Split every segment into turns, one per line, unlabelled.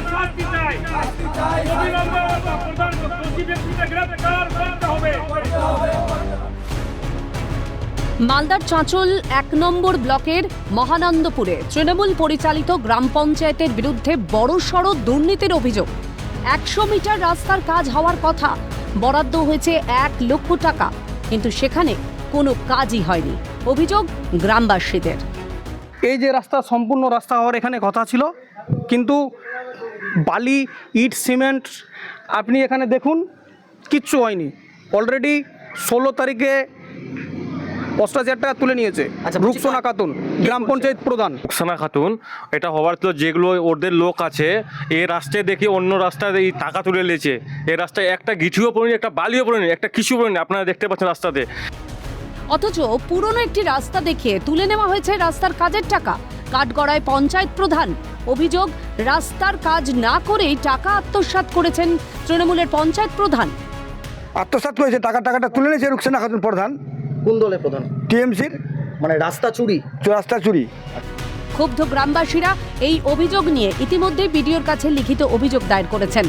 শাস্তি চাই, অবিলম্বে প্রধান দোষী ব্যক্তিকে গ্রেফতার করতে হবে।
মালদার চাঁচল ১ নম্বর ব্লকের মহানন্দপুরে তৃণমূল পরিচালিত গ্রাম পঞ্চায়েতের বিরুদ্ধে বড়সড় দুর্নীতির অভিযোগ। ১০০ মিটার রাস্তার কাজ হওয়ার কথা, বরাদ্দ হয়েছে ১ লক্ষ টাকা, কিন্তু সেখানে কোনো কাজই হয়নি। অভিযোগ গ্রামবাসীদের।
এই যে রাস্তা, সম্পূর্ণ রাস্তা হওয়ার এখানে কথা ছিল, কিন্তু বালি, ইট, সিমেন্ট আপনি এখানে দেখুন কিচ্ছু হয়নি। অলরেডি ১৬ তারিখে ৮৫,০০০ টাকা তুলে নিয়েছে রুকসানা খাতুন, গ্রাম পঞ্চায়েত প্রধান।
রুকসানা খাতুন, এটা হওয়ার তো যেগুলো ওদের লোক আছে, এই রাস্তায় দেখি অন্য রাস্তায় এই টাকা তুলে নিয়েছে। এই রাস্তায় একটা গিঠিও পড়েনি, একটা বালিও পড়েনি, একটা কিছু পড়েনি, আপনারা দেখতে পাচ্ছেন রাস্তাতে।
অথচ পুরনো একটি রাস্তা দেখিয়ে তুলে নেওয়া হয়েছে রাস্তার কাজের টাকা। কাঠগড়ায় পঞ্চায়েত প্রধান। অভিযোগ, রাস্তার কাজ না করেই টাকা আত্মসাৎ করেছেন তৃণমূলের পঞ্চায়েত প্রধান।
আত্মসাৎ করেছে, টাকাটা তুলে নিয়েছে রুকসানা খাতুন প্রধান।
কোন দলের প্রধান?
টিএমসির।
মানে রাস্তা চুরি।
রাস্তা চুরি।
ক্ষুব্ধ গ্রামবাসীরা এই অভিযোগ নিয়ে ইতিমধ্যেই বিডিওর কাছে লিখিত অভিযোগ দায়ের করেছেন।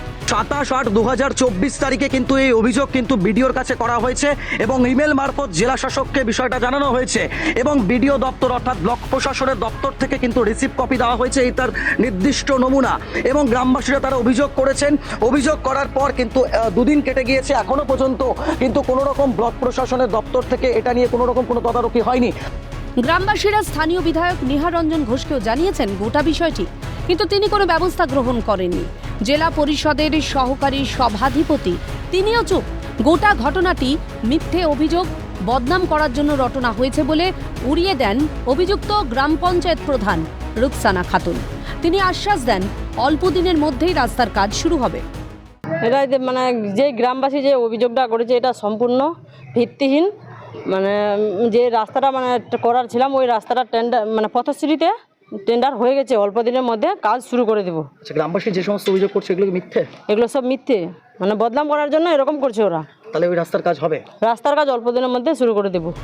২৭/৮/২০২৪ তারিখে কিন্তু এই অভিযোগ কিন্তু বিডিওর কাছে করা হয়েছে এবং ইমেল মারফত জেলা শাসককে বিষয়টা জানানো হয়েছে এবং বিডিও দপ্তর অর্থাৎ ব্লক প্রশাসনের দপ্তর থেকে কিন্তু রিসিভ কপি দেওয়া হয়েছে, এই তার নির্দিষ্ট নমুনা। এবং গ্রামবাসীরা তারা অভিযোগ করেছেন। অভিযোগ করার পর কিন্তু দুদিন কেটে গিয়েছে, এখনো পর্যন্ত কিন্তু কোনো রকম ব্লক প্রশাসনের দপ্তর থেকে এটা নিয়ে কোনো রকম কোনো তদারকি হয়নি।
গ্রামবাসীরা স্থানীয় বিধায়ক নিহার রঞ্জন ঘোষকেও জানিয়েছেন গোটা বিষয়টি, কিন্তু তিনি কোনো ব্যবস্থা গ্রহণ করেননি। জেলা পরিষদের সহকারী সভাধিপতি তিনিও চুপ। গোটা ঘটনাটি মিথ্যে অভিযোগ, বদনাম করার জন্য রটনা হয়েছে বলে উড়িয়ে দেন অভিযুক্ত গ্রাম পঞ্চায়েত প্রধান রুকসানা খাতুন। তিনি আশ্বাস দেন অল্প দিনের মধ্যেই রাস্তার কাজ শুরু হবে।
এটা মানে যে গ্রামবাসী যে অভিযোগটা করেছে এটা সম্পূর্ণ ভিত্তিহীন। মানে যে রাস্তাটা মানে করার ছিলাম, ওই রাস্তাটা টেন্ডার মানে পথশ্রীতে টেন্ডার হয়ে গেছে, অল্প দিনের মধ্যে কাজ শুরু করে দেবো।
আচ্ছা, গ্রামবাসী যে সমস্ত অভিযোগ করছে এগুলো কি মিথ্যে?
এগুলো সব মিথ্যে, মানে বদনাম করার জন্য এরকম করছে ওরা।
তাহলে ওই রাস্তার কাজ হবে?
রাস্তার কাজ অল্প দিনের মধ্যে শুরু করে দেবো।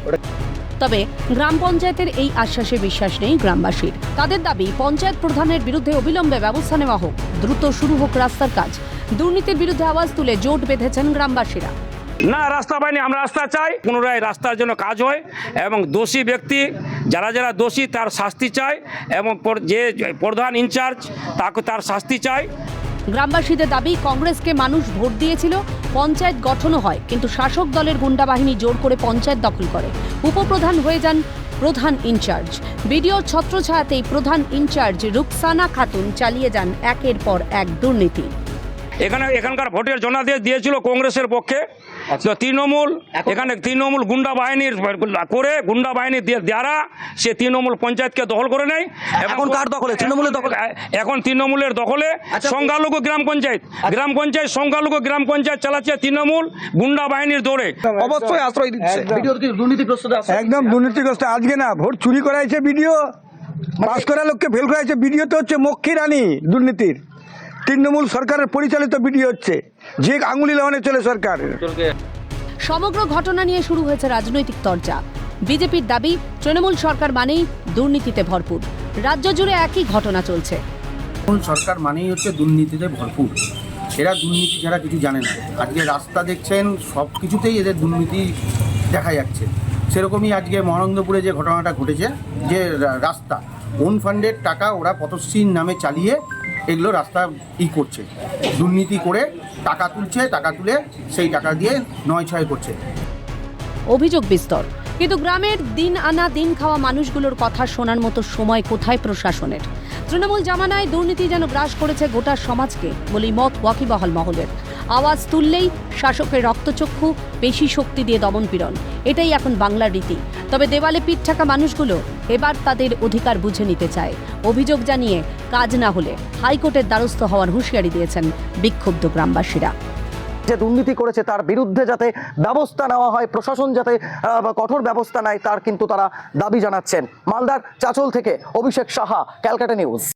তবে গ্রাম পঞ্চায়েতের এই আশ্বাসে বিশ্বাস নেই গ্রামবাসীর। তাদের দাবি, পঞ্চায়েত প্রধানের বিরুদ্ধে অবিলম্বে ব্যবস্থা নেওয়া হোক, দ্রুত শুরু হোক রাস্তার কাজ। দুর্নীতির বিরুদ্ধে আওয়াজ তুলে জোট বেঁধেছেন গ্রামবাসীরা।
না, রাস্তা পাইনি, আমরা রাস্তা চাই, পুনরায় রাস্তার জন্য কাজ হয় এবং দোষী ব্যক্তি যারা যারা দোষী তার শাস্তি চাই এবং যে প্রধান ইনচার্জ তাকে তার শাস্তি চাই।
গ্রামবাসীদের দাবি, কংগ্রেসকে মানুষ ভোট দিয়েছিল, পঞ্চায়েত গঠনও হয়, কিন্তু শাসক দলের গুন্ডা বাহিনী জোর করে পঞ্চায়েত দখল করে। উপপ্রধান হয়ে যান প্রধান ইনচার্জ। বিডিওর ছত্রছায়াতেই প্রধান ইনচার্জ রুকসানা খাতুন চালিয়ে যান একের পর এক দুর্নীতি।
এখানকার ভোটের জনাদেশ দিয়েছিল কংগ্রেসের পক্ষে, তো তৃণমূল এখানে তৃণমূল গুন্ডা বাহিনীর করে গুন্ডা বাহিনী দ্বারা সে তৃণমূল পঞ্চায়েতকে দখল করে নেয়।
এখন কার দখলে? তৃণমূলের দখলে।
এখন তৃণমূলের দখলে সংখ্যালঘু গ্রাম পঞ্চায়েত। গ্রাম পঞ্চায়েত সংখ্যালঘু গ্রাম পঞ্চায়েত চালাচ্ছে তৃণমূল গুন্ডা বাহিনীর দৌড়ে।
অবশ্যই আশ্রয় দিচ্ছে।
বিডিও কি দুর্নীতিগ্রস্ত?
একদম দুর্নীতিগ্রস্ত। আজকে না ভোট চুরি করাইছে বিডিও, পাস করা লোককে ফেল করাইছে বিডিও। তো হচ্ছে মক্ষী রানী দুর্নীতির। তৃণমূল সরকারের পরিচালিত বিডিও হচ্ছে, যে আঙুলি লাগানো চলে সরকার।
সমগ্র ঘটনা নিয়ে শুরু হয়েছে রাজনৈতিক চর্চা। বিজেপির দাবি, তৃণমূল সরকার মানেই দুর্নীতিতে ভরপুর। রাজ্য জুড়ে একই ঘটনা চলছে।
তৃণমূল সরকার মানেই হচ্ছে দুর্নীতিতে ভরপুর। এরা দুর্নীতি ছাড়া কিছু জানে না। আজকে রাস্তা দেখছেন, সব কিছুতেই এদের দুর্নীতি দেখা যাচ্ছে। সেরকমই আজকে মহানন্দপুরে যে ঘটনাটা ঘটেছে, যে রাস্তা ওন ফান্ডের টাকা ওরা পথশ্রীর নামে চালিয়ে এগুলো রাস্তা করছে, দুর্নীতি করে টাকা তুলছে, টাকা তুলে সেই টাকা দিয়ে নয় ছয় করছে।
অভিযোগ বিস্তর, কিন্তু গ্রামের দিন আনা দিন খাওয়া মানুষগুলোর কথা শোনার মতো সময় কোথায় প্রশাসনের? তৃণমূল জামানায় দুর্নীতি যেন গ্রাস করেছে গোটা সমাজকে বলেই মত ওয়াকিবহাল মহলের। আওয়াজ তুললেই শাসকের রক্তচক্ষু, পেশি শক্তি দিয়ে দমনপীড়ন, এটাই এখন বাংলার রীতি। তবে দেওয়ালে পিঠ ঠাকা মানুষগুলো এবার তাদের অধিকার বুঝে নিতে চায়। অভিযোগ জানিয়ে কাজ না হলে হাইকোর্টের দ্বারস্থ হওয়ার হুঁশিয়ারি দিয়েছেন বিক্ষুব্ধ গ্রামবাসীরা।
যে দুর্নীতি করেছে তার বিরুদ্ধে যাতে ব্যবস্থা নেওয়া হয়, প্রশাসন যাতে কঠোর ব্যবস্থা নেয়, তার কিন্তু তারা দাবি জানাচ্ছেন। মালদার চাঁচল থেকে অভিষেক সাহা, ক্যালকাটা নিউজ।